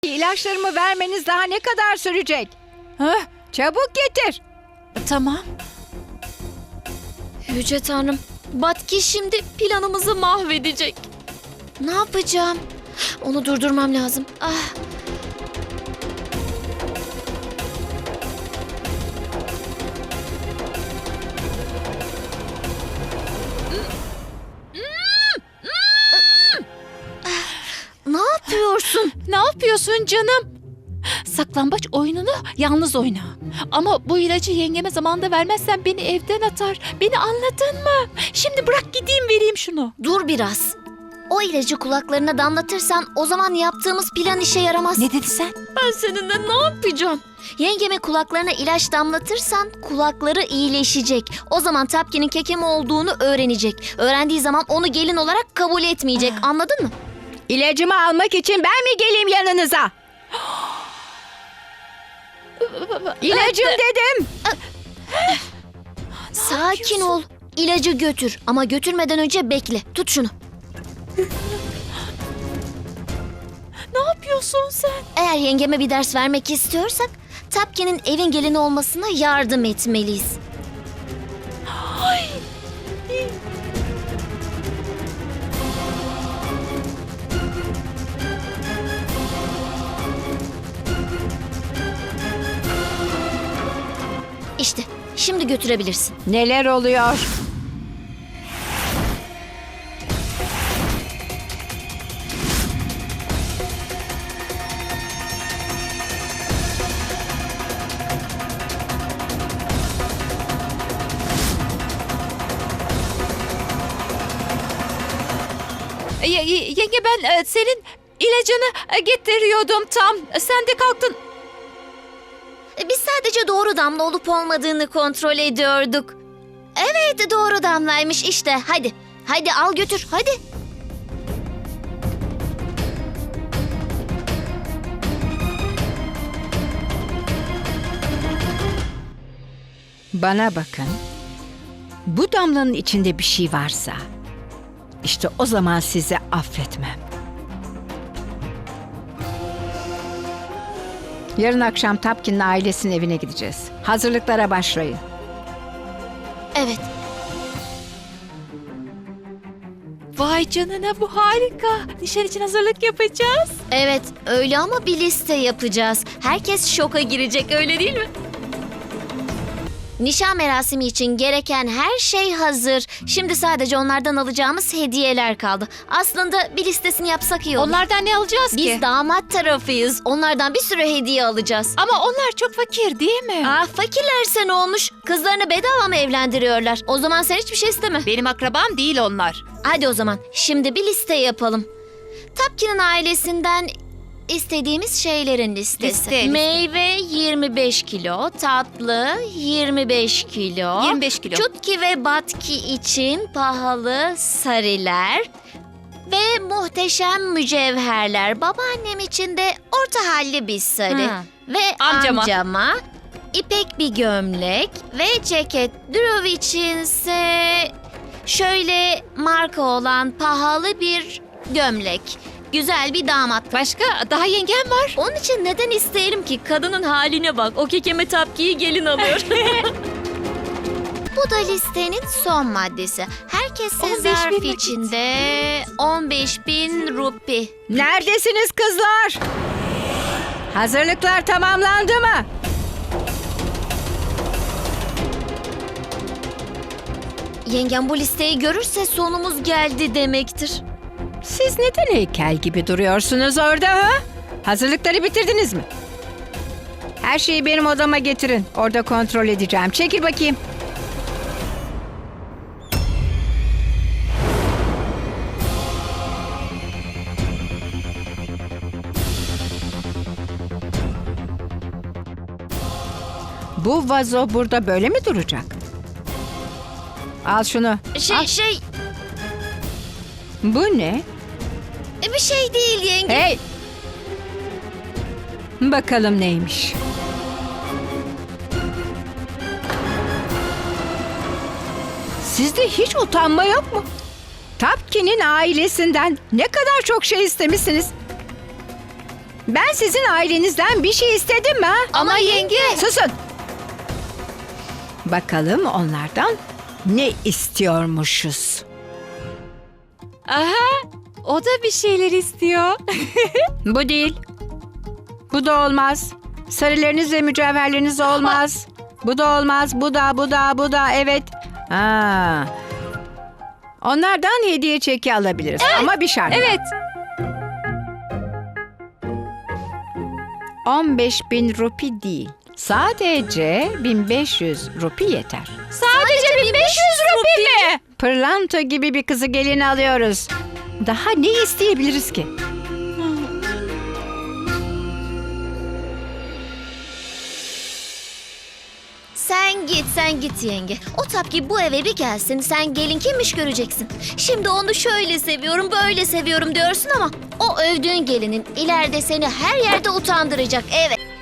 İlaçlarımı vermeniz daha ne kadar sürecek? Hah, Çabuk getir. tamam. Yüce Tanrım, Batki şimdi planımızı mahvedecek. Ne yapacağım? Onu durdurmam lazım. Ah. Ne yapıyorsun? Ne yapıyorsun canım? Saklambaç oyununu yalnız oyna. Ama bu ilacı yengeme zamanında vermezsen beni evden atar. Beni anladın mı? Şimdi bırak gideyim vereyim şunu. Dur biraz. O ilacı kulaklarına damlatırsan o zaman yaptığımız plan işe yaramaz. Ne dedi sen? Ben seninle ne yapacağım? Yengeme kulaklarına ilaç damlatırsan kulakları iyileşecek. O zaman Tapki'nin kekem olduğunu öğrenecek. Öğrendiği zaman onu gelin olarak kabul etmeyecek. Anladın mı? İlacımı almak için ben mi geleyim yanınıza? İlacım dedim. Sakin ol. İlacı götür ama götürmeden önce bekle. Tut şunu. Ne yapıyorsun sen? Eğer yengeme bir ders vermek istiyorsak Tapki'nin evin gelini olmasına yardım etmeliyiz. Ay. İşte şimdi götürebilirsin. Neler oluyor? Yenge ben senin ilacını getiriyordum tam. Sen de kalktın. Biz sadece doğru damla olup olmadığını kontrol ediyorduk. Evet doğru damlaymış işte. Hadi. Hadi al götür hadi. Bana bakın. Bu damlanın içinde bir şey varsa, işte o zaman sizi affetmem. Yarın akşam Tapkin'in ailesinin evine gideceğiz. Hazırlıklara başlayın. Evet. Vay canına bu harika. Nişan için hazırlık yapacağız. Evet öyle ama bir liste yapacağız. Herkes şoka girecek öyle değil mi? Nişan merasimi için gereken her şey hazır. Şimdi sadece onlardan alacağımız hediyeler kaldı. Aslında bir listesini yapsak iyi olur. Onlardan ne alacağız ki? Biz damat tarafıyız. Onlardan bir sürü hediye alacağız. Ama onlar çok fakir değil mi? Ah fakirlerse ne olmuş? Kızlarını bedava mı evlendiriyorlar? O zaman sen hiçbir şey isteme. Benim akrabam değil onlar. Hadi o zaman şimdi bir liste yapalım. Tapki'nin ailesinden istediğimiz şeylerin listesi. Liste. Meyve 25 kilo, tatlı 25 kilo. 25 kilo. Çutki ve Batki için pahalı sariler ve muhteşem mücevherler. Babaannem için de orta halli bir sarı. Ha. Ve Amcama. amcama ipek bir gömlek ve ceket. Drew içinse şöyle marka olan pahalı bir gömlek. Güzel bir damat. Başka daha yengem var. Onun için neden isteyelim ki? Kadının haline bak. O kekeme Tapki'yi gelin alıyor. Bu da listenin son maddesi. Herkese 15.000 zarf nakit. içinde 15.000 rupi. Neredesiniz kızlar? Hazırlıklar tamamlandı mı? Yengem bu listeyi görürse sonumuz geldi demektir. Siz neden heykel gibi duruyorsunuz orada ha? Hazırlıkları bitirdiniz mi? Her şeyi benim odama getirin. Orada kontrol edeceğim. Çekil bakayım. Bu vazo burada böyle mi duracak? Al şunu. Al. Bu ne? Bir şey değil yenge. Hey! Bakalım neymiş? Sizde hiç utanma yok mu? Tapki'nin ailesinden ne kadar çok şey istemişsiniz. Ben sizin ailenizden bir şey istedim mi? Ha? Ama yenge. Susun. Bakalım onlardan ne istiyormuşuz? Aha, o da bir şeyler istiyor. Bu değil. Bu da olmaz. Sarılarınız ve mücevherleriniz olmaz. Bu da olmaz. Bu da. Evet. Ha. Onlardan hediye çeki alabiliriz. Ama bir şart. Evet. 15.000 rupi değil. Sadece 1500 rupi yeter. Sadece 1500 rupi mi? Pırlanta gibi bir kızı gelin alıyoruz. Daha ne isteyebiliriz ki? Sen git yenge. O Tapki bu eve bir gelsin, sen gelin kimmiş göreceksin. Şimdi onu şöyle seviyorum, böyle seviyorum diyorsun ama o övdüğün gelinin ileride seni her yerde utandıracak, evet.